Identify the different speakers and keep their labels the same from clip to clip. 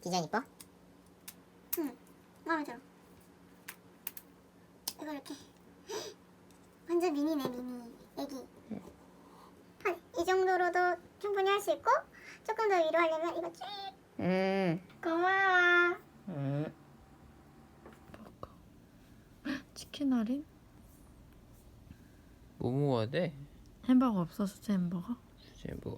Speaker 1: 디자인 이뻐?
Speaker 2: 응, 마음에 들어. 이거 이렇게 완전 미니네, 미니 애기. 한 이 정도로도 충분히 할 수 있고 조금 더 위로 하려면 이거 쭉. 고마워.
Speaker 3: 치킨 할인?
Speaker 4: 뭐 먹어야 돼?
Speaker 3: 햄버거 없어? 수제 햄버거?
Speaker 4: 수제 뭐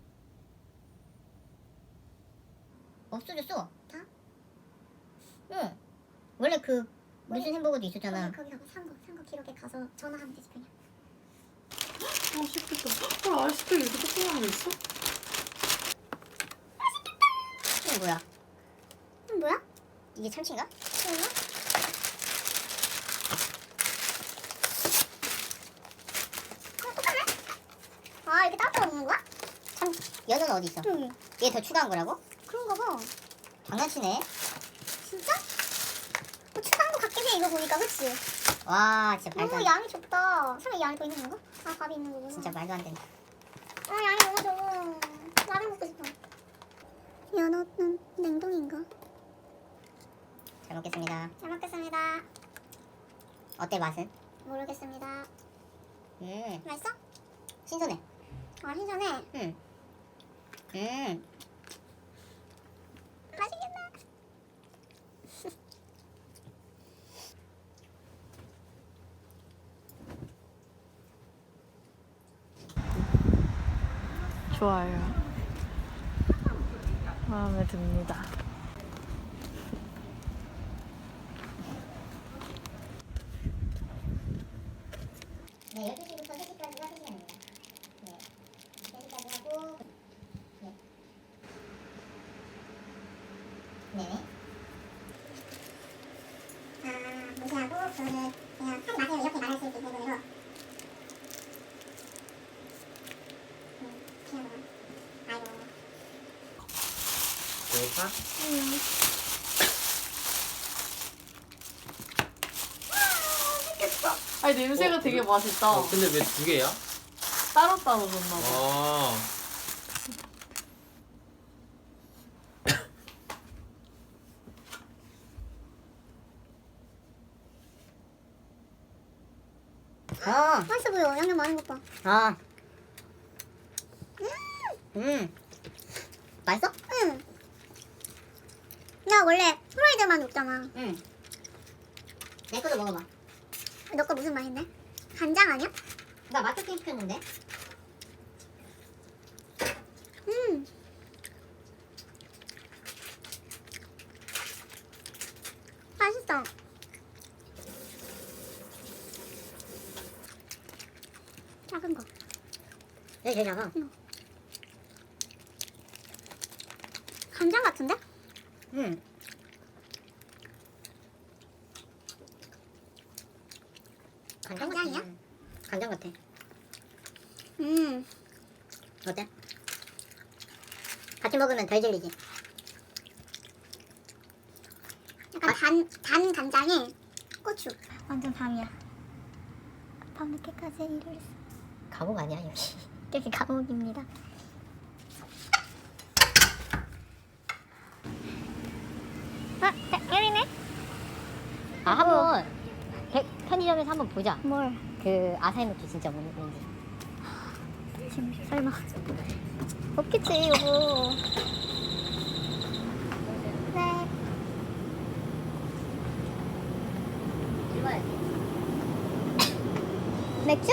Speaker 1: 없어졌어. 다? 응. 원래 그 무슨 햄버거도 있었잖아.
Speaker 2: 거기 가서 산 거 기록에 가서 전화하면 되지 그냥.
Speaker 3: 맛있겠다. 아이스크림 이렇게 조그만 거 있어?
Speaker 1: 이게 뭐야?
Speaker 2: 뭐야?
Speaker 1: 이게 참치인가?
Speaker 2: 이거? 똑같네? 아, 이렇게 따로 먹는 거야?
Speaker 1: 참 연어는 어디 있어?
Speaker 2: 응.
Speaker 1: 얘 더 추가한 거라고?
Speaker 2: 그런가 봐.
Speaker 1: 장난치네.
Speaker 2: 진짜? 뭐 추가한 거 같긴 해, 이거 보니까, 그치?
Speaker 1: 와 진짜 말도
Speaker 2: 너무
Speaker 1: 안
Speaker 2: 양이 적다. 설마 이 안에 더 있는 건가? 아, 밥이 있는 거구나.
Speaker 1: 진짜 말도 안 된다.
Speaker 2: 아, 양이 너무 적어. 라면 먹고 싶어. 연어는 냉동인가?
Speaker 1: 잘 먹겠습니다.
Speaker 2: 잘 먹겠습니다.
Speaker 1: 어때 맛은?
Speaker 2: 모르겠습니다. 맛있어?
Speaker 1: 신선해.
Speaker 2: 아, 신선해. 맛있겠다.
Speaker 3: 좋아요. 마음에 듭니다.
Speaker 1: 네, 12시부터 3시까지가 3시간입니다. 네. 3시까지 하고 네. 네네.
Speaker 2: 아, 무시하고 그거를 그냥 하지 마세요 이렇게 말할 수 있는 부분으로. 귀여워. 아이고.
Speaker 4: 배고파?
Speaker 3: 아니 냄새가 되게 맛있다.
Speaker 4: 근데 왜 두 개야?
Speaker 3: 따로따로 줬나 봐.
Speaker 4: 아
Speaker 2: 맛있어 보여. 양념 많은 것 봐.
Speaker 1: 맛있어?
Speaker 2: 응. 나 원래 프라이드만 먹잖아.
Speaker 1: 내 거도 먹어봐.
Speaker 2: 너 거 무슨 맛인데? 간장 아니야?
Speaker 1: 나 맛조팅 시켰는데.
Speaker 2: 맛있어. 작은 거.
Speaker 1: 여기 제일 작아.
Speaker 2: 간장 같은데? 간장이야?
Speaker 1: 간장 같아. 어때? 같이 먹으면 덜 질리지.
Speaker 2: 약간 단 간장에 고추. 완전 밤이야. 밤늦게까지 일을 했어.
Speaker 1: 감옥 아니야 여기?
Speaker 2: 여기 감옥입니다. 여기네?
Speaker 1: 한번 편의점에서 한번 보자.
Speaker 2: 뭘?
Speaker 1: 그 아사히노키 진짜 뭔지.
Speaker 2: 지금 설마 없겠지 여보. 네.
Speaker 1: 읽어야지.
Speaker 2: 맥주?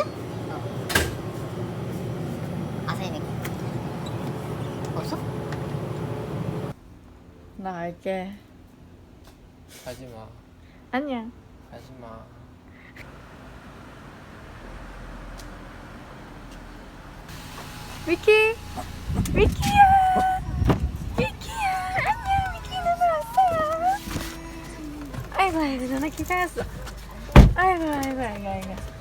Speaker 1: 아사히노키. 없어?
Speaker 3: 나 갈게.
Speaker 4: 가지마
Speaker 3: 아니야.
Speaker 4: 가지마.
Speaker 3: 미키! 미키야! 미키야! 안녕! 미키 누나 왔어요! 아이고 아이고 누나 기다렸어. 아이고 아이고 아이고 아이고.